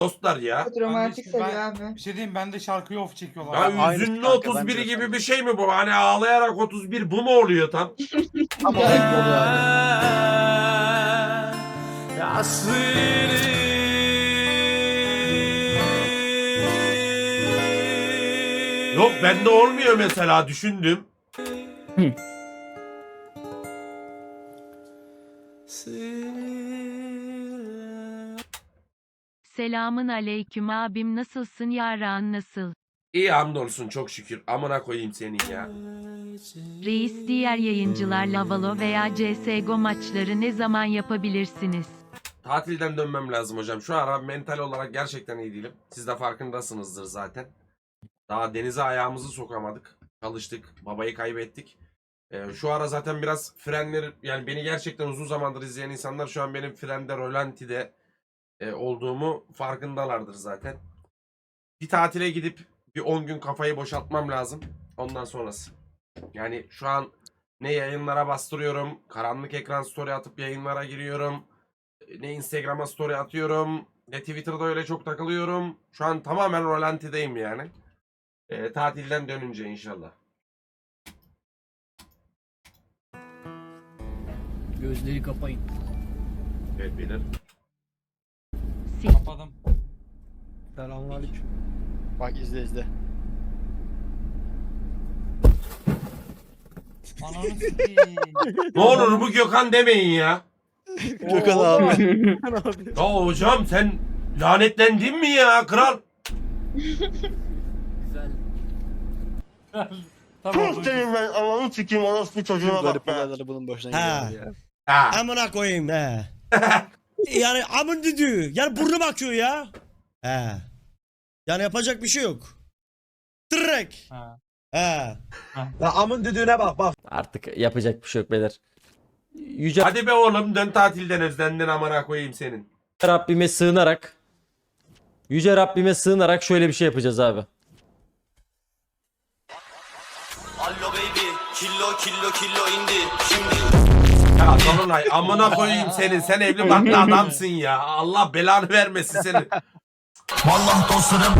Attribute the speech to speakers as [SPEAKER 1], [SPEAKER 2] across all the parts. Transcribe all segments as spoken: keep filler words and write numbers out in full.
[SPEAKER 1] dostlar ya.
[SPEAKER 2] Çok romantik
[SPEAKER 3] Ben de-
[SPEAKER 2] seviyor
[SPEAKER 3] ben-
[SPEAKER 2] abi.
[SPEAKER 3] Bir şey diyeyim, ben de şarkıyı off çekiyorlar.
[SPEAKER 1] Ya
[SPEAKER 4] Aynı
[SPEAKER 1] üzünlü
[SPEAKER 4] kanka,
[SPEAKER 1] otuz
[SPEAKER 4] ben
[SPEAKER 1] biri
[SPEAKER 4] de
[SPEAKER 1] gibi
[SPEAKER 4] öyle.
[SPEAKER 1] bir şey mi bu? Hani ağlayarak otuz bir bu mu oluyor tam?
[SPEAKER 4] Ama o renk oluyor abi.
[SPEAKER 1] Yok bende olmuyor mesela düşündüm.
[SPEAKER 5] Selamın aleyküm abim, nasılsın, yaran nasıl?
[SPEAKER 1] İyi hamdolsun çok şükür. Amına koyayım senin ya.
[SPEAKER 5] Reis, diğer yayıncılarla Valo veya C S G O maçları ne zaman yapabilirsiniz?
[SPEAKER 1] Tatilden dönmem lazım hocam. Şu ara mental olarak gerçekten iyi değilim. Siz de farkındasınızdır zaten. Daha denize ayağımızı sokamadık. Çalıştık. Babayı kaybettik. Ee, şu ara zaten biraz frenler, yani beni gerçekten uzun zamandır izleyen insanlar şu an benim frende, rolantide e, olduğumu farkındalardır zaten. Bir tatile gidip bir on gün kafayı boşaltmam lazım. Ondan sonrası. Yani şu an ne yayınlara bastırıyorum, karanlık ekran story atıp yayınlara giriyorum, ne Instagram'a story atıyorum, ne Twitter'da öyle çok takılıyorum. Şu an tamamen rolantideyim yani. E, tatilden dönünce inşallah.
[SPEAKER 6] Gözleri kapayın.
[SPEAKER 1] Evet beyler.
[SPEAKER 5] Sik.
[SPEAKER 3] Kapadım.
[SPEAKER 4] Selamünaleyküm. Bak izle izle.
[SPEAKER 3] Ananı sikeyim.
[SPEAKER 1] Ne olur bu Gökhan demeyin ya.
[SPEAKER 4] Gökhan abi.
[SPEAKER 1] Ya hocam sen lanetlendin mi ya kral?
[SPEAKER 6] Güzel.
[SPEAKER 3] Tamam.
[SPEAKER 7] ben Allah'ını sikeyim orospu çocuğuna
[SPEAKER 4] Garip
[SPEAKER 7] bak be.
[SPEAKER 4] olayları bunun başına
[SPEAKER 8] Ha.
[SPEAKER 4] geliyor ya.
[SPEAKER 1] Ha.
[SPEAKER 8] Amına koyayım he. Yani amın düdüğü. Yani burnu bakıyor ya. He. Yani yapacak bir şey yok. Direkt.
[SPEAKER 3] Ha.
[SPEAKER 8] He.
[SPEAKER 9] Artık yapacak bir şey yok beyler. Yüce
[SPEAKER 1] Hadi be oğlum dön tatilden, özlendin amına koyayım senin.
[SPEAKER 9] Rabbime sığınarak Yüce Rabbime sığınarak şöyle bir şey yapacağız abi.
[SPEAKER 7] Allo baby, killo killo killo indi. Şimdi
[SPEAKER 1] Ya Dolunay amına koyayım senin, sen evli barklı adamsın ya. Allah belanı vermesin senin.
[SPEAKER 7] vallahi dostlarım.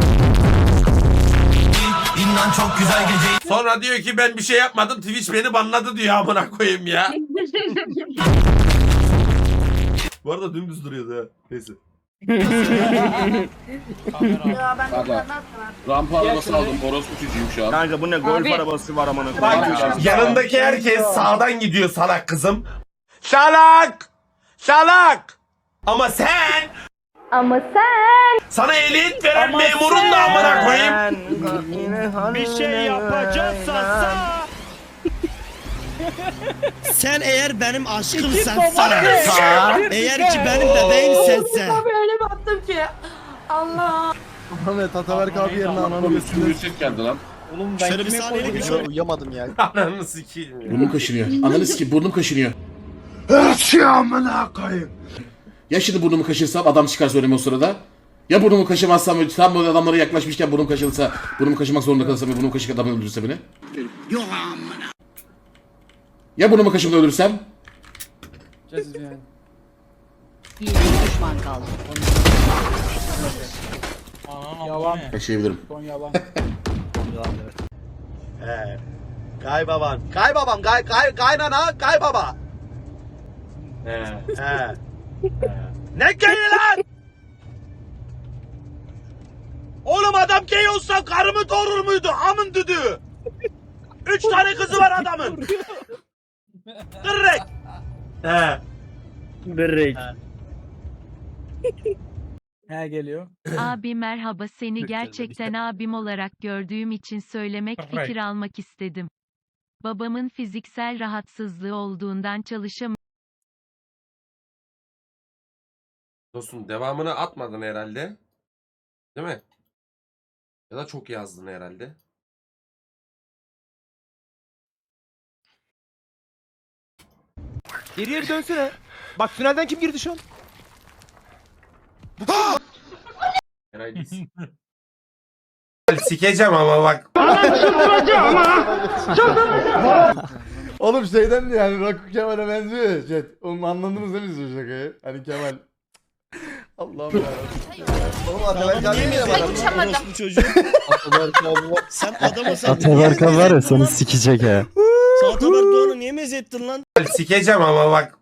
[SPEAKER 7] İnan çok güzel gece.
[SPEAKER 1] Sonra diyor ki ben bir şey yapmadım, Twitch beni banladı diyor amına koyayım ya. Bu arada dümdüz duruyordu ha. Neyse.
[SPEAKER 3] Kamera.
[SPEAKER 2] Ya ben
[SPEAKER 10] Baba.
[SPEAKER 2] bunlardan
[SPEAKER 10] Rampa arabası aldım. Orospu çocuğuyum şu an.
[SPEAKER 4] Kanka bu ne golf
[SPEAKER 2] Abi.
[SPEAKER 4] arabası var amına
[SPEAKER 1] Bak
[SPEAKER 4] koyayım.
[SPEAKER 1] yanındaki herkes sağdan gidiyor salak kızım. Salak! Salak! Ama sen
[SPEAKER 2] Ama sen.
[SPEAKER 1] sana ehliyet veren memurun da amına koyayım.
[SPEAKER 8] Bir şey yapacaksan sen eğer benim aşkımsan eğer ki benim bebeğim sensen.
[SPEAKER 2] Abi öyle baktım ki. Allah.
[SPEAKER 4] Ahmet Ataberk abi yerine ananı
[SPEAKER 10] Oğlum
[SPEAKER 4] götürdü.
[SPEAKER 10] üstümü ses geldi lan.
[SPEAKER 4] Oğlum
[SPEAKER 8] Şöyle bir saniyelik bir şey.
[SPEAKER 4] Uyuyamadım ya.
[SPEAKER 1] Ananı sikeyim ya.
[SPEAKER 10] Burnum kaşınıyor. Ananı sikeyim burnum kaşınıyor. Ya şimdi burnumu kaşırsam adam çıkar söyleme o sırada. Ya burnumu kaşımazsam tam böyle adamlara yaklaşmışken burnum kaşınırsa burnumu kaşımak zorunda kalırsam ve burnumu kaşık adamı öldürürse beni. Ya burnumu kaşımda ölürsem?
[SPEAKER 6] Bir düşman kaldı.
[SPEAKER 3] Ananı yalan.
[SPEAKER 10] Kaşıyabilirim.
[SPEAKER 7] Kaybaban. Kaybabam. Kay kay kaynana kaybaba. He. He. Ne gay lan? Oğlum adam gay olsa karımı doğurur muydu? Amın düdüğü. Üç tane kızı var adamın. Kırrek.
[SPEAKER 1] He.
[SPEAKER 4] Direkt.
[SPEAKER 3] He geliyor.
[SPEAKER 5] Abi merhaba, seni gerçekten abim olarak gördüğüm için söylemek, fikir almak istedim. Babamın fiziksel rahatsızlığı olduğundan çalışamıyorum.
[SPEAKER 1] Dostum devamını atmadın herhalde. Değil mi? Ya da çok yazdın herhalde.
[SPEAKER 4] Geriye bir dönsene. Bak finalden kim girdi şu an?
[SPEAKER 1] Eray değilsin. Sikeceğim ama bak.
[SPEAKER 11] Oğlum şeyden yani Rakun Kemal'e benziyor ya chat. Oğlum anladınız değil mi siz o şakayı? Hani Kemal Allah'ım ya. Oğlum Ataberk abi niye var?
[SPEAKER 2] Uçamadım.
[SPEAKER 8] Orospu çocuğu.
[SPEAKER 11] Ataberk abi var.
[SPEAKER 8] Sen adamı sen.
[SPEAKER 9] Ataberk abi var ya seni sikecek ha.
[SPEAKER 8] Sen Ataberk Doğan'ı niye meze ettin lan?
[SPEAKER 1] Sikeceğim ama bak.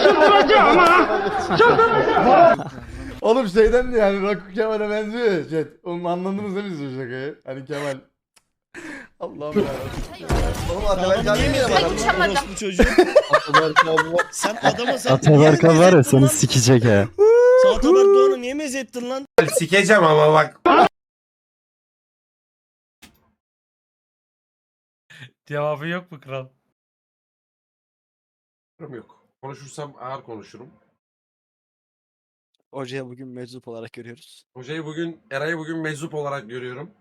[SPEAKER 11] Oğlum şeyden de yani Rakun Kemal'e benziyor ya chat. Onu anladınız değil mi siz o şakayı? Hani Kemal. Allah'ım ya. Oğlum Ataberk abi niye var?
[SPEAKER 2] Uçamadım.
[SPEAKER 8] Orospu çocuğu.
[SPEAKER 11] Ataberk abi var.
[SPEAKER 8] Sen adamı sen.
[SPEAKER 9] Ataberk abi var ya seni
[SPEAKER 8] Lan.
[SPEAKER 9] sikecek ha.
[SPEAKER 8] Sen Ataberk Doğan'ı niye meze ettin lan?
[SPEAKER 1] Sikeceğim ama bak.
[SPEAKER 3] Cevabı yok mu kral?
[SPEAKER 1] Yok. Konuşursam ağır konuşurum.
[SPEAKER 4] Hocaya bugün meczup olarak görüyoruz.
[SPEAKER 1] Hocayı bugün, Eray'ı bugün meczup olarak görüyorum.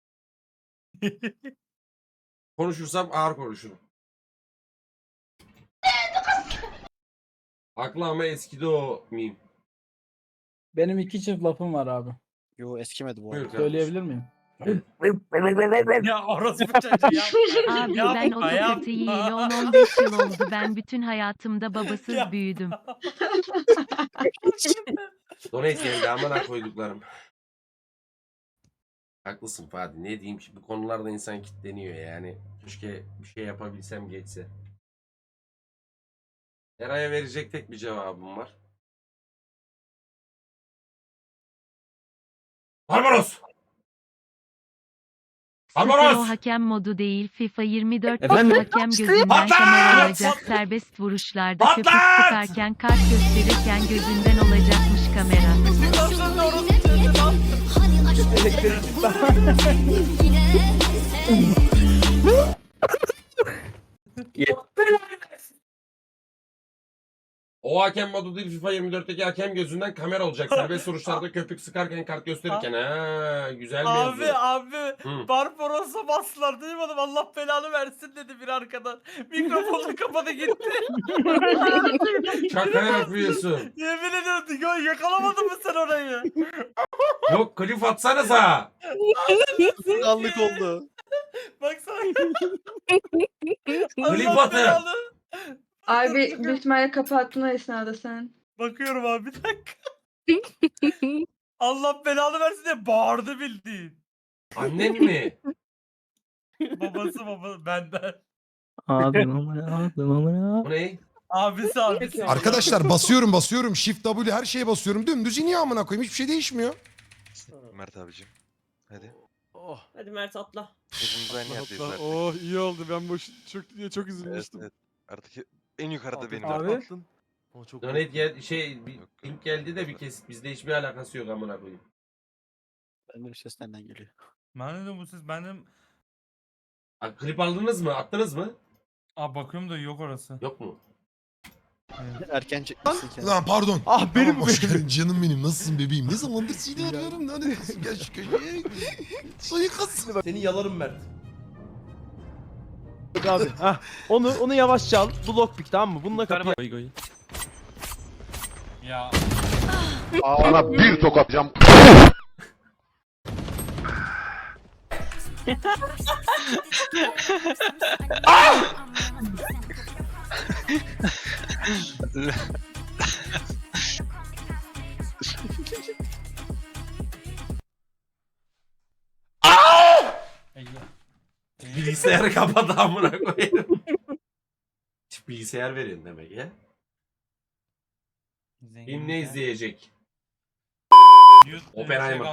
[SPEAKER 1] Konuşursam ağır konuşurum. Haklı ama eskidi o meme.
[SPEAKER 3] Benim iki çift lafım var abi.
[SPEAKER 4] Yo eskimedi bu
[SPEAKER 1] Buyur
[SPEAKER 4] arada.
[SPEAKER 1] kardeşim.
[SPEAKER 3] Söyleyebilir miyim?
[SPEAKER 7] Ya orası bir çocuk ya.
[SPEAKER 5] Abi
[SPEAKER 7] Yapma,
[SPEAKER 5] ben otokatı
[SPEAKER 7] yapma.
[SPEAKER 5] yiyeli on on beş yıl oldu. Ben bütün hayatımda babasız
[SPEAKER 7] Ya.
[SPEAKER 5] büyüdüm.
[SPEAKER 1] Donate geldi amına koyduklarım. Haklısın Fatih. Ne diyeyim ki bu konularda insan kitleniyor yani. Keşke bir şey yapabilsem geçse. Eray'a verecek tek bir cevabım var. Barbaros!
[SPEAKER 5] Sıfır o
[SPEAKER 1] Barbaros!
[SPEAKER 5] hakem modu değil FIFA yirmi dört
[SPEAKER 9] Efendim?
[SPEAKER 5] hakem gözünden
[SPEAKER 1] Patla!
[SPEAKER 5] kamera alacak serbest vuruşlarda köpük
[SPEAKER 1] Patla!
[SPEAKER 5] sıkarken kart gösterirken gözünden olacakmış kamera.
[SPEAKER 1] O hakem modu değil FIFA yirmi dörtteki hakem gözünden kamera olacak. Serbest vuruşlarda köpük sıkarken kart gösterirken. Ha güzel bir
[SPEAKER 7] Abi
[SPEAKER 1] yazı.
[SPEAKER 7] abi
[SPEAKER 1] Hı.
[SPEAKER 7] Barbaros'a bastılar duymadım, Allah belanı versin dedi bir arkadan. Mikrofonu kapadı gitti.
[SPEAKER 1] Şaka yapıyorsun.
[SPEAKER 7] Yemin ediyorum ya, yakalamadın mı sen orayı?
[SPEAKER 1] Yok klip atsanıza.
[SPEAKER 4] Kanlık oldu.
[SPEAKER 7] Baksana.
[SPEAKER 1] Klip
[SPEAKER 7] Allah
[SPEAKER 1] atın.
[SPEAKER 7] belanı.
[SPEAKER 2] Abi büyük ihtimalle kapattın o esnada sen.
[SPEAKER 7] Bakıyorum abi bir dakika. Allah belanı versin diye bağırdı bildiğin.
[SPEAKER 1] Annen mi?
[SPEAKER 7] Babası baba benden.
[SPEAKER 3] Ağzım amına ağzım amına.
[SPEAKER 1] Bu ne?
[SPEAKER 7] Abisi abisi.
[SPEAKER 12] Arkadaşlar basıyorum basıyorum Shift W her şeye basıyorum dümdüz iniyor amına koyayım hiçbir şey değişmiyor.
[SPEAKER 13] Mert abicim. Hadi.
[SPEAKER 7] Oh.
[SPEAKER 2] Hadi Mert atla.
[SPEAKER 13] Hepimiz aynı yerdeyiz artık.
[SPEAKER 4] Oh iyi oldu ben boş çok çok
[SPEAKER 13] Evet,
[SPEAKER 4] üzülmüştüm.
[SPEAKER 13] evet. Artık en yukarıda benim.
[SPEAKER 3] Abi.
[SPEAKER 4] O çok
[SPEAKER 1] Donate gel şey bir link geldi de bir kesit bizde hiçbir alakası yok amına koyayım.
[SPEAKER 4] Bende bir ses nereden geliyor?
[SPEAKER 3] Ben dedim bu siz benim.
[SPEAKER 1] A, klip aldınız mı? Attınız mı?
[SPEAKER 3] Aa bakıyorum da yok orası.
[SPEAKER 1] Yok mu?
[SPEAKER 4] Erken çekmişsin kendini.
[SPEAKER 12] Lan pardon.
[SPEAKER 4] Ah benim
[SPEAKER 12] Tamam, hoş geldin canım benim nasılsın bebeğim ne zamandır seni arıyorum lan gel şu köşeye. Suikast.
[SPEAKER 11] Seni yalarım Mert.
[SPEAKER 4] abi. Hah. Onu onu yavaşça al. Bu lockpick tamam mı? Bununla kapıyı.
[SPEAKER 3] Ya.
[SPEAKER 12] Sana bir tokat cam.
[SPEAKER 1] Bilgisayarı kapat amına koyayım. Hiç bilgisayar verin demek ya. Kim ne izleyecek? Oppenheimer.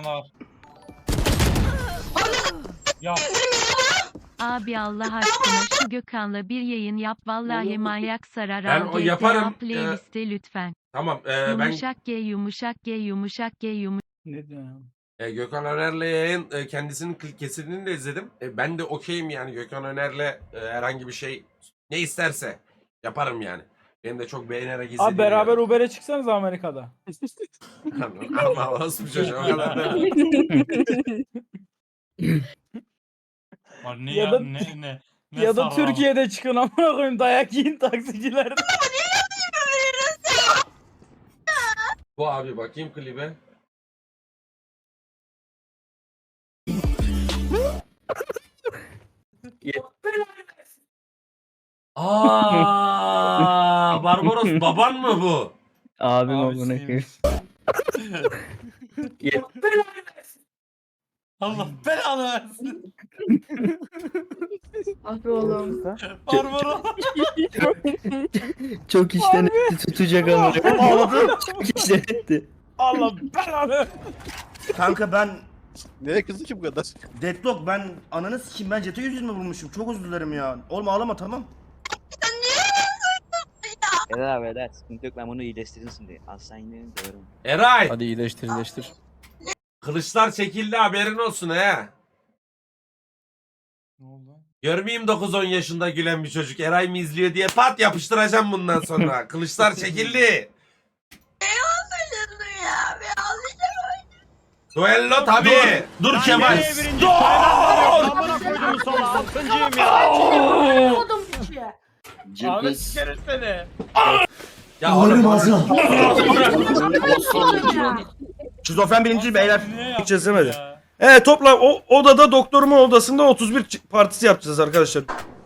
[SPEAKER 3] Ya.
[SPEAKER 5] Abi Allah aşkına şu Gökhan'la bir yayın yap vallahi manyak sarar.
[SPEAKER 1] Ben
[SPEAKER 5] Al
[SPEAKER 1] o
[SPEAKER 5] G T A
[SPEAKER 1] yaparım.
[SPEAKER 5] playliste lütfen.
[SPEAKER 1] Tamam e, ben
[SPEAKER 5] Yumuşak G yumuşak G yumuşak G yumuşak.
[SPEAKER 3] Ne diyorsun?
[SPEAKER 1] e, Gökhan Öner'le yayın e, kendisinin klip kesitini de izledim. E, ben de okeyim yani Gökhan Öner'le e, herhangi bir şey ne isterse yaparım yani. Benim de çok beğenerek izlediğim.
[SPEAKER 3] Abi beraber
[SPEAKER 1] yani.
[SPEAKER 3] Uber'e çıksanız Amerika'da.
[SPEAKER 1] Ama olsun çocuğum o kadar değil.
[SPEAKER 3] Ne
[SPEAKER 2] Ya
[SPEAKER 3] ya,
[SPEAKER 2] da-
[SPEAKER 3] ne ne. ne
[SPEAKER 2] Ya da
[SPEAKER 3] sarı
[SPEAKER 2] Türkiye'de çıkın amına koyayım dayak yiyin taksicilerde.
[SPEAKER 1] Bu abi bakayım klibe. Aa, Barbaros baban mı bu?
[SPEAKER 3] Abim amına koyayım. Allah belanı versin.
[SPEAKER 2] Ah be oğlum.
[SPEAKER 3] Barbara.
[SPEAKER 6] Çok işten etti tutacak ama. Çok işten etti.
[SPEAKER 3] Allah belanı.
[SPEAKER 7] Kanka ben
[SPEAKER 11] Neye kızdı ki bu kadar?
[SPEAKER 7] Deadlock ben ananı sikeyim ben Jet'e yüz yüz mü vurmuşum? Çok özür dilerim ya. Oğlum ağlama tamam.
[SPEAKER 6] Eder abi eder. Sıkıntı yok ben bunu iyileştirin şimdi. Hastaneye doğru.
[SPEAKER 1] Eray.
[SPEAKER 4] Hadi iyileştir iyileştir.
[SPEAKER 1] Kılıçlar çekildi haberin olsun he.
[SPEAKER 3] Ne oldu?
[SPEAKER 1] Görmeyeyim dokuz on yaşında gülen bir çocuk Eray mı izliyor diye pat yapıştıracağım bundan sonra. Kılıçlar çekildi. Duello tabi. Dur Kemal. Dur.
[SPEAKER 3] Ahmet sikerim seni.
[SPEAKER 1] Ya oğlum ağzına.
[SPEAKER 7] Şizofren birinci beyler.
[SPEAKER 3] Niye yaptın
[SPEAKER 7] çözemedi.
[SPEAKER 3] ya?
[SPEAKER 7] Evet toplam o odada doktorumun odasında otuz bir partisi yapacağız arkadaşlar.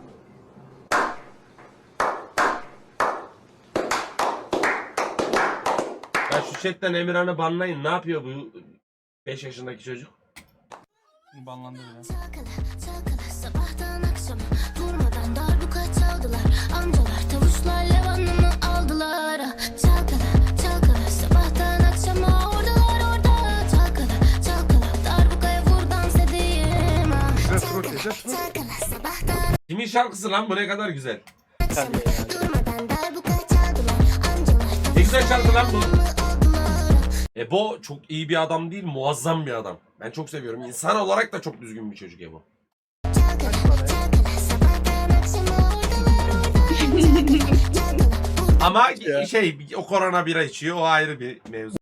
[SPEAKER 1] Ya şu chatten Emirhan'ı banlayın. Ne yapıyor bu beş yaşındaki çocuk?
[SPEAKER 3] Banlandı bile.
[SPEAKER 2] Sabahtan akşama durmadan darbuka çaldılar. Amcalar tavuşlar levanımı aldılar. Çalkala çalkala sabahtan akşama oradalar orada. Çalkala çalkala darbukaya vur dans edeyim. Çalkala çalkala sabahtan
[SPEAKER 1] Kimin şarkısı lan bu ne kadar güzel.
[SPEAKER 2] akşama durmadan darbuka çaldılar. Amcalar
[SPEAKER 1] Ne güzel şarkı lan bu.
[SPEAKER 2] aldılar.
[SPEAKER 1] Ebo çok iyi bir adam değil, muazzam bir adam. Ben çok seviyorum. İnsan olarak da çok düzgün bir çocuk Ebo.
[SPEAKER 2] Çalkala çalkala sabahtan akşama oradalar orada.
[SPEAKER 1] Ama şey o korona bira içiyor o ayrı bir mevzu.